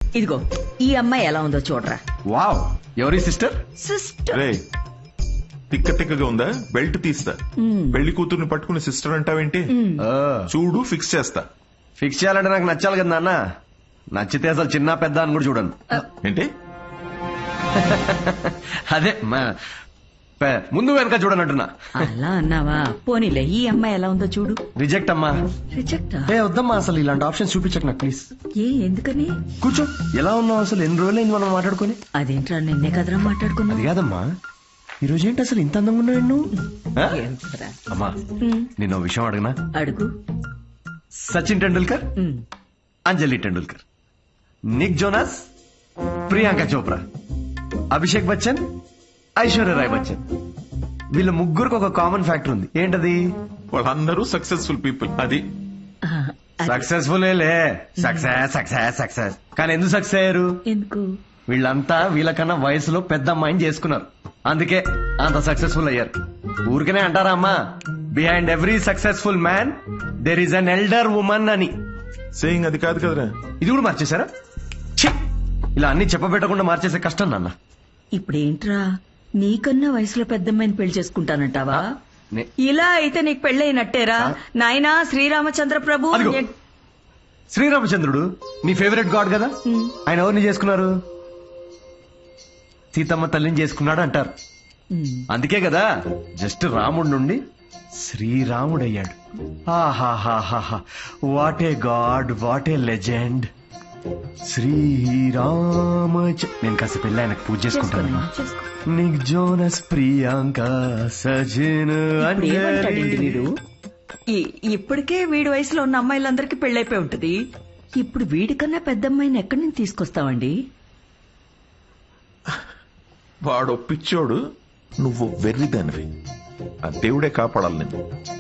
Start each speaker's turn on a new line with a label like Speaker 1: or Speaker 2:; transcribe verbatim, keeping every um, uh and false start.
Speaker 1: ఇదిగో ఈ అమ్మాయి ఎలా ఉందో చూడరా.
Speaker 2: వావ్, ఎవరి సిస్టర్?
Speaker 1: సిస్టర్.
Speaker 3: రే తిక్క తిక్కగా ఉందా? బెల్ట్ తీస్తా. పెళ్లి కూతుర్ని పట్టుకుని సిస్టర్ అంటావేంటి? చూడు ఫిక్స్ చేస్తా.
Speaker 2: ఫిక్స్ చేయాలంటే నాకు నచ్చాలి కదా నాన్న. నచ్చితే అసలు చిన్న పెద్ద అని కూడా చూడను.
Speaker 3: ఏంటి?
Speaker 2: అదే మా- పె- ముందు వెనక చూడనంటున్నా.
Speaker 1: అలా అన్నావా? పోనీలే, ఈ అమ్మాయి ఎలా ఉందో చూడు.
Speaker 2: రిజెక్ట్ అమ్మా.
Speaker 1: రిజెక్టా?
Speaker 2: ఏ వద్దమ్మా, అసలు ఇలాంటి ఆప్షన్ చూపించకు నాకు ప్లీజ్.
Speaker 1: ఏ ఎందుకని?
Speaker 2: కూర్చో. ఎలా ఉన్నావు అసలు? ఎన్ని రోజులైంది మనం మాట్లాడుకొని?
Speaker 1: అదేంట్రా, నిన్నే కదరా మాట్లాడుకున్నా.
Speaker 2: అది కాదమ్మా, ఈ రోజు ఏంటి అసలు ఇంత అందంగా ఉన్నావు నువ్వు? ఆ?
Speaker 1: ఏంట్రా?
Speaker 2: అమ్మా,
Speaker 1: ఉమ్,
Speaker 2: నేను ఓ విషయం అడగనా?
Speaker 1: అడుగు.
Speaker 2: Sachin Tendulkar,
Speaker 1: um,
Speaker 2: Anjali Tendulkar, Nick Jonas, Priyanka Chopra, Abhishek Bachchan, Aishwarya Rai Bachchan, వీళ్ళ ముగ్గురికి ఒక కామన్ ఫ్యాక్టర్ ఉంది. ఏంటది?
Speaker 3: వాళ్ళందరూ సక్సెస్ఫుల్ పీపుల్. అది
Speaker 1: ఆ, అది
Speaker 2: సక్సెస్ఫుల్ లే. సక్సెస్ సక్సెస్ సక్సెస్ కానీ ఎందుకు సక్సెస్ అయ్యారు?
Speaker 1: ఎందుకు?
Speaker 2: వీళ్ళంతా వీళ్ళకన్నా వయసులో పెద్ద అమ్మాయిని చేసుకున్నారు, అందుకే అంత సక్సెస్ఫుల్ అయ్యారు. ఊరికనే అంటారా అమ్మా, behind every successful man there is an elder woman అని.
Speaker 3: సేయింగ్ అది కాదు కదరా.
Speaker 2: ఇది కూడా మార్చేశారా? ఛీ! ఇలా అన్ని చెప్పబెట్టకుండా మార్చేసే కష్టం నాన్న.
Speaker 1: ఇప్పుడేంట్రా, నీకన్నా వయసులో పెద్దమ్మాయిని పెళ్లి చేసుకుంటానంటావా?
Speaker 2: నే-
Speaker 1: ఇలా అయితే నీకు పెళ్ళైనట్టేరా నాయనా. శ్రీరామచంద్ర ప్రభు.
Speaker 2: అదిగో. శ్రీరామచంద్రుడు నీ ఫేవరెట్ గాడ్ కదా, ఆయన ఎవరిని చేసుకున్నారు? సీతమ్మ తల్లిని చేసుకున్నాడు అంటారు.
Speaker 1: ఉమ్,
Speaker 2: అందుకే కదా జస్ట్ రాముడి నుండి శ్రీరాముడయ్యాడు. ఆహాహాహా, what a god, what a legend. Srirama. నేను కాసేపు వెళ్ళి ఆయనకు పూజ చేసుకుంటాను.
Speaker 1: చేసుకో.
Speaker 2: నిక్ జోనస్, ప్రియాంక, సజిన్,
Speaker 1: ఇప్పుడు ఏమంటాడండి వీడు? ఈ- ఇప్పటికే వీడి వయసులో ఉన్న అమ్మాయిలందరికీ పెళ్ళైపోయి ఉంటది. ఇప్పుడు వీడికన్నా పెద్ద అమ్మాయిని ఎక్కడి నుంచి తీసుకొస్తావండి?
Speaker 3: వాడు పిచ్చోడు, నువ్వు వెర్రిదానివి. ఆ దేవుడే కాపాడాలి నిన్ను.